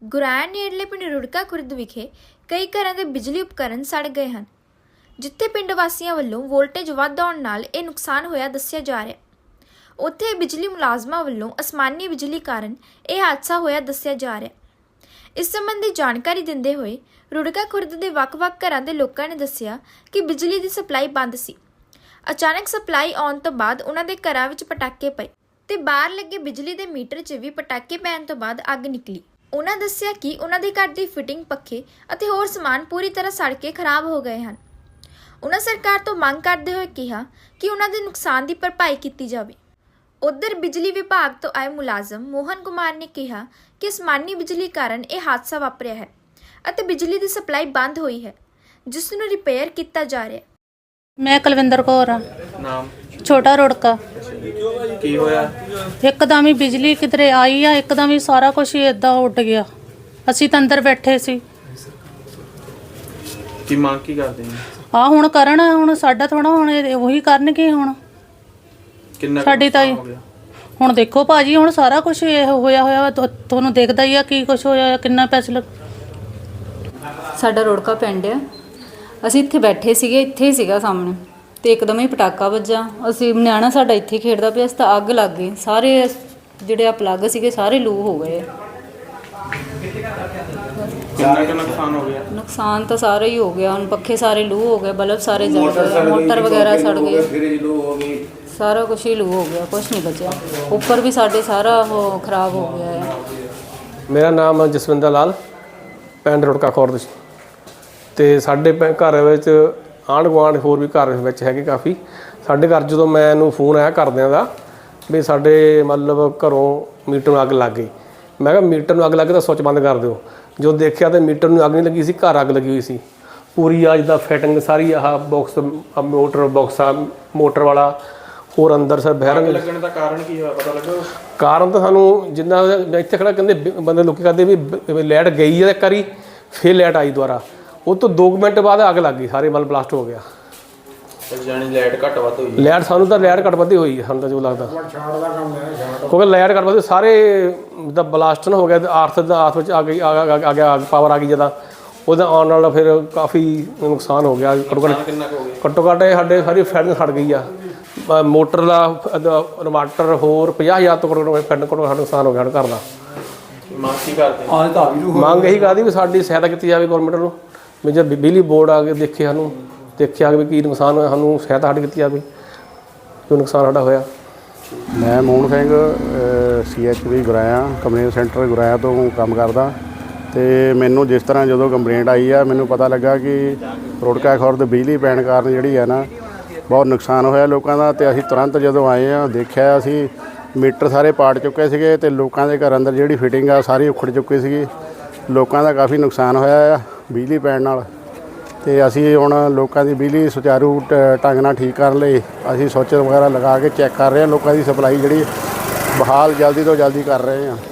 ਗੁਰਾਇਆ ਨੇੜਲੇ ਪਿੰਡ ਰੁੜਕਾ ਖੁਰਦ ਵਿਖੇ ਕਈ ਘਰਾਂ ਦੇ ਬਿਜਲੀ ਉਪਕਰਨ ਸੜ ਗਏ ਹਨ, ਜਿੱਥੇ ਪਿੰਡ ਵਾਸੀਆਂ ਵੱਲੋਂ ਵੋਲਟੇਜ ਵੱਧ ਆਉਣ ਨਾਲ ਇਹ ਨੁਕਸਾਨ ਹੋਇਆ ਦੱਸਿਆ ਜਾ ਰਿਹਾ। ਉੱਥੇ ਬਿਜਲੀ ਮੁਲਾਜ਼ਮਾਂ ਵੱਲੋਂ ਅਸਮਾਨੀ ਬਿਜਲੀ ਕਾਰਨ ਇਹ ਹਾਦਸਾ ਹੋਇਆ ਦੱਸਿਆ ਜਾ ਰਿਹਾ। ਇਸ ਸੰਬੰਧੀ ਜਾਣਕਾਰੀ ਦਿੰਦੇ ਹੋਏ ਰੁੜਕਾ ਖੁਰਦ ਦੇ ਵੱਖ-ਵੱਖ ਘਰਾਂ ਦੇ ਲੋਕਾਂ ਨੇ ਦੱਸਿਆ ਕਿ ਬਿਜਲੀ ਦੀ ਸਪਲਾਈ ਬੰਦ ਸੀ। ਅਚਾਨਕ ਸਪਲਾਈ ਆਉਣ ਤੋਂ ਬਾਅਦ ਉਹਨਾਂ ਦੇ ਘਰਾਂ ਵਿੱਚ ਪਟਾਕੇ ਪਏ ਤੇ ਬਾਹਰ ਲੱਗੇ ਬਿਜਲੀ ਦੇ ਮੀਟਰ 'ਚ ਵੀ ਪਟਾਕੇ ਪੈਣ ਤੋਂ ਬਾਅਦ ਅੱਗ ਨਿਕਲੀ। ਉਹਨਾਂ ਦੱਸਿਆ ਕਿ ਉਹਨਾਂ ਦੇ ਘਰ ਦੀ ਫਿਟਿੰਗ, ਪੱਖੇ ਅਤੇ ਹੋਰ ਸਮਾਨ ਪੂਰੀ ਤਰ੍ਹਾਂ ਸੜ ਕੇ ਖਰਾਬ ਹੋ ਗਏ ਹਨ। ਉਹਨਾਂ ਸਰਕਾਰ ਤੋਂ ਮੰਗ ਕਰਦੇ ਹੋਏ ਕਿਹਾ ਕਿ ਉਹਨਾਂ ਦੇ ਨੁਕਸਾਨ ਦੀ ਭਰਪਾਈ ਕੀਤੀ ਜਾਵੇ। ਉੱਧਰ ਬਿਜਲੀ ਵਿਭਾਗ ਤੋਂ ਆਏ ਮੁਲਾਜ਼ਮ ਮੋਹਨ ਕੁਮਾਰ ਨੇ ਕਿਹਾ ਕਿ ਅਸਮਾਨੀ ਬਿਜਲੀ ਕਾਰਨ ਇਹ ਹਾਦਸਾ ਵਾਪਰਿਆ ਹੈ ਅਤੇ ਬਿਜਲੀ ਦੀ ਸਪਲਾਈ ਬੰਦ ਹੋਈ ਹੈ, ਜਿਸ ਨੂੰ ਰਿਪੇਅਰ ਕੀਤਾ ਜਾ ਰਿਹਾ ਹੈ। मैं कुलविंदर कौर हाँ। नाम छोटा रुड़का। की होया? एकदम ही बिजली किधरे आई है, एकदम ही सारा कुछ ही इदा उड़ गया। असी तो अंदर बैठे सी। की मांग की करते हैं? हाँ हुण करन, हुण साडा थोड़ा हुण वही करनगे। हुण किन्ना साडी ताई हुण देखो भाजी, हुण सारा कुछ होया होया तुहानूं दिखदा ही आ की कुछ होया, किन्ना पैसे लग। ਸਾਡਾ ਰੁੜਕਾ ਪਿੰਡ ਆ। ਅਸੀਂ ਇੱਥੇ ਬੈਠੇ ਸੀਗੇ, ਇੱਥੇ ਹੀ ਸੀਗਾ ਸਾਹਮਣੇ, ਤੇ ਇੱਕਦਮ ਹੀ ਪਟਾਕਾ ਵੱਜਾ। ਅਸੀਂ ਨਿਆਣਾ ਸਾਡਾ ਇੱਥੇ ਖੇਡਦਾ ਪਿਆ ਸੀ ਤਾਂ ਅੱਗ ਲੱਗ ਗਈ। ਸਾਰੇ ਜਿਹੜੇ ਆ ਪਲੱਗ ਸੀਗੇ ਸਾਰੇ ਲੂ ਹੋ ਗਏ। किन्ना का नुकसान हो गया? ਨੁਕਸਾਨ ਤਾਂ ਸਾਰਾ ਹੀ ਹੋ ਗਿਆ। ਹੁਣ ਪੱਖੇ ਸਾਰੇ ਲੂ ਹੋ ਗਏ, ਬਲਬ ਸਾਰੇ ਜਲ ਗਏ, ਮੋਟਰ ਵਗੈਰਾ ਸੜ ਗਏ, ਸਾਰਾ ਕੁਝ ਹੀ ਲੂ ਹੋ ਗਿਆ, ਕੁਝ ਨਹੀਂ ਬਚਿਆ। ਉੱਪਰ ਵੀ ਸਾਡੇ ਸਾਰਾ ਉਹ ਖਰਾਬ ਹੋ ਗਿਆ ਹੈ। ਮੇਰਾ ਨਾਮ ਜਸਵਿੰਦਰ ਲਾਲ, ਪਿੰਡ ਰੁੜਕਾ ਖੁਰਦ। ਤੇ ਸਾਡੇ ਘਰ ਵਿੱਚ ਆਂਢ ਗੁਆਂਢ ਹੋਰ ਵੀ ਘਰ ਵਿੱਚ ਹੈਗੇ ਕਾਫੀ। ਸਾਡੇ ਘਰ ਜਦੋਂ ਮੈਨੂੰ ਫੋਨ ਆਇਆ ਘਰਦਿਆਂ ਦਾ ਵੀ ਸਾਡੇ ਮਤਲਬ ਘਰੋਂ ਮੀਟਰ ਨੂੰ ਅੱਗ ਲੱਗ ਗਈ, ਮੈਂ ਕਿਹਾ ਮੀਟਰ ਨੂੰ ਅੱਗ ਲੱਗ ਗਈ ਤਾਂ ਸੁੱਚ ਬੰਦ ਕਰ ਦਿਓ। ਜਦੋਂ ਦੇਖਿਆ ਤਾਂ ਮੀਟਰ ਨੂੰ ਅੱਗ ਨਹੀਂ ਲੱਗੀ ਸੀ, ਘਰ ਅੱਗ ਲੱਗੀ ਹੋਈ ਸੀ ਪੂਰੀ। ਆ ਜਿੱਦਾਂ ਫਿਟਿੰਗ ਸਾਰੀ ਆਹ ਬਾਕਸ, ਮੋਟਰ ਬਾਕਸ ਆ ਮੋਟਰ ਵਾਲਾ, ਹੋਰ ਅੰਦਰ ਸਰ ਬਹਿਰੰਗ ਲੱਗਣ ਦਾ ਕਾਰਨ ਕੀ ਹੋਇਆ ਪਤਾ ਲੱਗਾ? ਕਾਰਨ ਤਾਂ ਸਾਨੂੰ ਜਿੰਨਾ ਇੱਥੇ ਖੜਾ ਕਹਿੰਦੇ ਬੰਦੇ ਲੋਕੀ ਕਹਿੰਦੇ ਵੀ ਲਾਈਟ ਗਈ ਹੈ ਇੱਕ ਵਾਰੀ, ਫਿਰ ਲਾਈਟ ਆਈ ਦੁਬਾਰਾ। ਉਹ ਤੋਂ 2 ਮਿੰਟ ਬਾਅਦ ਅੱਗ ਲੱਗ ਗਈ, ਸਾਰੇ ਮਤਲਬ ਬਲਾਸਟ ਹੋ ਗਿਆ। ਜਾਨੀ ਲਾਈਟ ਘੱਟ ਵੱਧ ਹੋਈ? ਲਾਈਟ ਸਾਨੂੰ ਤਾਂ ਲਾਈਟ ਘੱਟ ਵੱਧ ਹੋਈ ਸਾਨੂੰ ਤਾਂ ਜੋ ਲੱਗਦਾ, ਕਿਉਂਕਿ ਲਾਈਟ ਘੱਟ ਵੱਧ ਸਾਰੇ ਜਿੱਦਾਂ ਬਲਾਸਟ ਨਾ ਹੋ ਗਿਆ, ਆਰਥ ਵਿੱਚ ਆ ਗਈ, ਆ ਗਿਆ ਪਾਵਰ ਆ ਗਈ ਜਦੋਂ, ਉਹਦਾ ਆਉਣ ਨਾਲ ਫਿਰ ਕਾਫੀ ਨੁਕਸਾਨ ਹੋ ਗਿਆ। ਘੱਟੋ ਘੱਟ ਸਾਡੇ ਸਾਰੀ ਫੈਨ ਸੜ ਗਈ ਆ। ਮੋਟਰ ਦਾ ਇਨਵਰਟਰ ਹੋਰ 50,000 ਤੋਂ ਫੈਨ ਸਾਡਾ ਨੁਕਸਾਨ ਹੋ ਗਿਆ ਘਰ ਦਾ। ਮੰਗ ਕੀ ਕਰਦੇ? ਮੰਗ ਇਹੀ ਕਰਦੀ ਵੀ ਸਾਡੀ ਸਹਾਇਤਾ ਕੀਤੀ ਜਾਵੇ ਗੌਰਮੈਂਟ ਨੂੰ, ਵੀ ਜੇ ਬਿਜਲੀ ਬੋਰਡ ਆ ਕੇ ਦੇਖੇ, ਸਾਨੂੰ ਦੇਖਿਆ ਵੀ ਕੀ ਨੁਕਸਾਨ ਹੋਇਆ, ਸਾਨੂੰ ਸਹਾਇਤਾ ਸਾਡੀ ਕੀਤੀ ਜਾਵੇ ਜੋ ਨੁਕਸਾਨ ਸਾਡਾ ਹੋਇਆ। ਮੈਂ Mohan Singh CHP Guraya complaint centre Guraya ਤੋਂ ਕੰਮ ਕਰਦਾ। ਤੇ ਮੈਨੂੰ ਜਿਸ ਤਰ੍ਹਾਂ ਜਦੋਂ ਕੰਪਲੇਂਟ ਆਈ ਆ, ਮੈਨੂੰ ਪਤਾ ਲੱਗਾ ਕਿ ਰੁੜਕਾ ਖੁਰਦ ਬਿਜਲੀ ਪੈਣ ਕਾਰਨ ਜਿਹੜੀ ਆ ਨਾ ਬਹੁਤ ਨੁਕਸਾਨ ਹੋਇਆ ਲੋਕਾਂ ਦਾ। ਤੇ ਅਸੀਂ ਤੁਰੰਤ ਜਦੋਂ ਆਏ ਆ ਦੇਖਿਆ, ਅਸੀਂ ਮੀਟਰ ਸਾਰੇ ਪਾੜ ਚੁੱਕੇ ਸੀਗੇ ਤੇ ਲੋਕਾਂ ਦੇ ਘਰ ਅੰਦਰ ਜਿਹੜੀ ਫਿਟਿੰਗ ਆ ਸਾਰੀ ਉਖੜ ਚੁੱਕੀ ਸੀਗੀ। ਲੋਕਾਂ ਦਾ ਕਾਫੀ ਨੁਕਸਾਨ ਹੋਇਆ ਆ ਬਿਜਲੀ ਪੈਣ ਨਾਲ। ਤੇ ਅਸੀਂ ਹੁਣ ਲੋਕਾਂ ਦੀ ਬਿਜਲੀ ਸੁਚਾਰੂ ਢੰਗ ਨਾਲ ਠੀਕ ਕਰਨ ਲਈ ਅਸੀਂ ਸੁੱਚ ਵਗੈਰਾ ਲਗਾ ਕੇ ਚੈੱਕ ਕਰ ਰਹੇ ਹਾਂ। ਲੋਕਾਂ ਦੀ ਸਪਲਾਈ ਜਿਹੜੀ ਬਹਾਲ ਜਲਦੀ ਤੋਂ ਜਲਦੀ ਕਰ ਰਹੇ ਹਾਂ।